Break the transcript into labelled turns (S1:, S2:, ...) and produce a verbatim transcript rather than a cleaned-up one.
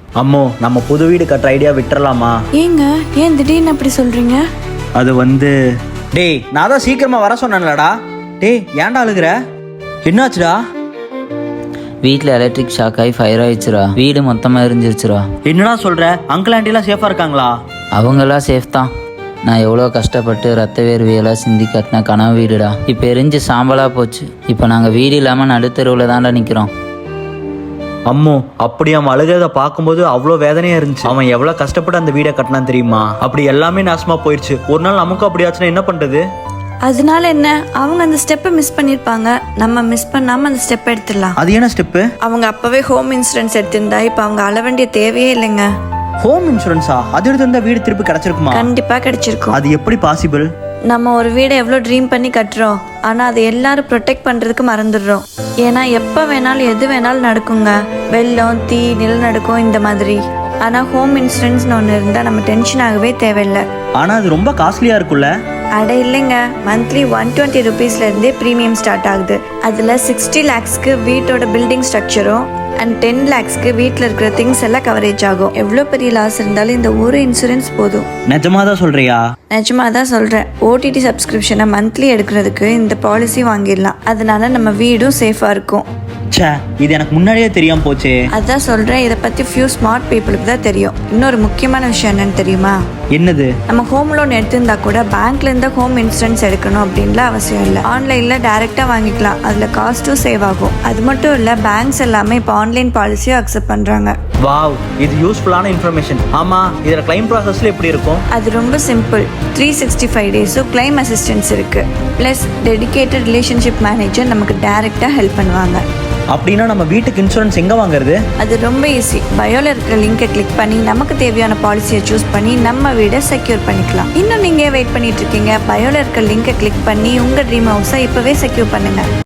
S1: அம்மோ நம்ம புது வீடு கட்டுற ஐடியா விட்டுறலாமா?
S2: ஏங்க ஏன் திடீர்னு அப்படி சொல்றீங்க?
S1: அது வந்து டேய் நான் தான் சீக்கிரமா வர சொன்னேன்லடா. டேய் ஏன்டா அழுகுற? என்னாச்சுடா?
S3: வீட்டில் எலக்ட்ரிக் ஷாக் ஆகி ஃபயர் ஆயிடுச்சுரா. வீடு மொத்தமாக எரிஞ்சிருச்சுரா.
S1: என்னடா சொல்ற? அங்கிள் ஆண்டிலாம் சேஃபா இருக்காங்களா?
S3: அவங்களாம் சேஃப் தான். நான் எவ்வளோ கஷ்டப்பட்டு ரத்த வேர்வையெல்லாம் சிந்தி கட்டின கனவு வீடுடா இப்போ எரிஞ்சு சாம்பலாக போச்சு. இப்போ நாங்கள் வீடு இல்லாமல் நடுத்தெருவில் தான்டா நிற்கிறோம்.
S1: அம்மோ அப்படி அவன் அழுகிறத பார்க்கும்போது அவ்வளோ வேதனையா இருந்துச்சு. அவன் எவ்வளோ கஷ்டப்பட்டு அந்த வீடை கட்டினான் தெரியுமா? அப்படி எல்லாமே நாசமா போயிடுச்சு. ஒரு நாள் நமக்கும் அப்படி ஆச்சுன்னா என்ன பண்றது?
S2: அதனால என்ன, அவங்க அந்த ஸ்டெப்பை மிஸ் பண்ணிருப்பாங்க, நம்ம மிஸ் பண்ணாம அந்த ஸ்டெப் எடுத்துடலாம்.
S1: அது என்ன ஸ்டெப்பு?
S2: அவங்க அப்பவே ஹோம் இன்சூரன்ஸ் எடுத்திருந்தா இப்ப அவங்க அழ வேண்டிய தேவையே இல்லைங்க.
S1: ஹோம் இன்சூரன்ஸா? அது எடுத்து வீடு திருப்பி கிடைச்சிருக்குமா?
S2: கண்டிப்பா கிடைச்சிருக்கும்.
S1: அது எப்படி பாசிபிள்?
S2: நம்ம ஒரு வீடை எவ்வளோ ட்ரீம் பண்ணி கட்டுறோம், ஆனால் அதை எல்லாரும் ப்ரொடெக்ட் பண்ணுறதுக்கு மறந்துடுறோம். ஏன்னா எப்போ வேணாலும் எது வேணாலும் நடக்குங்க, வெள்ளம், தீ, நிலநடுக்கம் இந்த மாதிரி. ஆனால் ஹோம் இன்சூரன்ஸ்னு ஒன்று இருந்தால் நம்ம டென்ஷன் ஆகவே தேவையில்லை.
S1: ஆனால் அது ரொம்ப காஸ்ட்லியாக இருக்கும்ல?
S2: அட இல்லைங்க, மந்த்லி ஒன் டுவெண்ட்டி ருபீஸ்லேருந்தே ப்ரீமியம் ஸ்டார்ட் ஆகுது. அதில் சிக்ஸ்டி லேக்ஸ்க்கு வீட்டோட பில்டிங் ஸ்ட்ரக்சரும் அண்ட் டென் லேக்ஸ்க்கு வீட்டில் இருக்கிற திங்ஸ் எல்லாம் கவரேஜ் ஆகும். எவ்வளோ பெரிய லாஸ் இருந்தாலும் இந்த ஒரு இன்சூரன்ஸ் போதும்.
S1: நிஜமா தான் சொல்றியா?
S2: நிஜமா தான் சொல்கிறேன். ஓடிடி சப்ஸ்கிரிப்ஷனை மந்த்லி எடுக்கிறதுக்கு இந்த பாலிசி வாங்கிடலாம். அதனால நம்ம வீடும் சேஃபாக இருக்கும்.
S1: ச்சே, இது எனக்கு முன்னாடியே தெரியாம போச்சே.
S2: அதான் சொல்கிறேன், இதை பற்றி ஃபியூ ஸ்மார்ட் பீப்புளுக்கு தான் தெரியும். இன்னொரு முக்கியமான விஷயம் என்னன்னு தெரியுமா?
S1: என்னது?
S2: நம்ம ஹோம் லோன் எடுத்திருந்தா கூட பேங்க்ல இருந்து ஹோம் இன்சூரன்ஸ் எடுக்கணும் அப்படின்லாம் அவசியம் இல்லை. ஆன்லைன்ல டைரக்டா வாங்கிக்கலாம். அதுல காஸ்ட்டும் சேவ் ஆகும். அது மட்டும் இல்ல, பேங்க்ஸ் எல்லாமே இப்போ ஆன்லைன் பாலிசியும் அக்செப்ட் பண்றாங்க.
S1: வாவ், இது யூஸ்ஃபுல்லான இன்ஃபர்மேஷன். ஆமா, இதுல கிளைம் ப்ராசஸ்ல எப்படி இருக்கும்?
S2: அது ரொம்ப சிம்பிள். த்ரீ சிக்ஸ்டி ஃபைவ் டேஸும் கிளைம் அசிஸ்டன்ஸ் இருக்கு. பிளஸ் டெடிகேட்டட் ரிலேஷன்ஷிப் மேனேஜர் நமக்கு டைரக்டா ஹெல்ப் பண்ணுவாங்க.
S1: அப்படின்னா நம்ம வீட்டுக்கு இன்சூரன்ஸ் எங்க வாங்குறது?
S2: அது ரொம்ப ஈஸி. பயோல இருக்கிற லிங்கை கிளிக் பண்ணி நமக்கு தேவையான பாலிசியை சூஸ் பண்ணி நம்ம வீடை செக்யூர் பண்ணிக்கலாம். இன்னும் நீங்க வெயிட் பண்ணிட்டு இருக்கீங்க? பயோல இருக்கிற லிங்கை கிளிக் பண்ணி உங்க ட்ரீம் ஹவுஸை இப்பவே செக்யூர் பண்ணுங்க.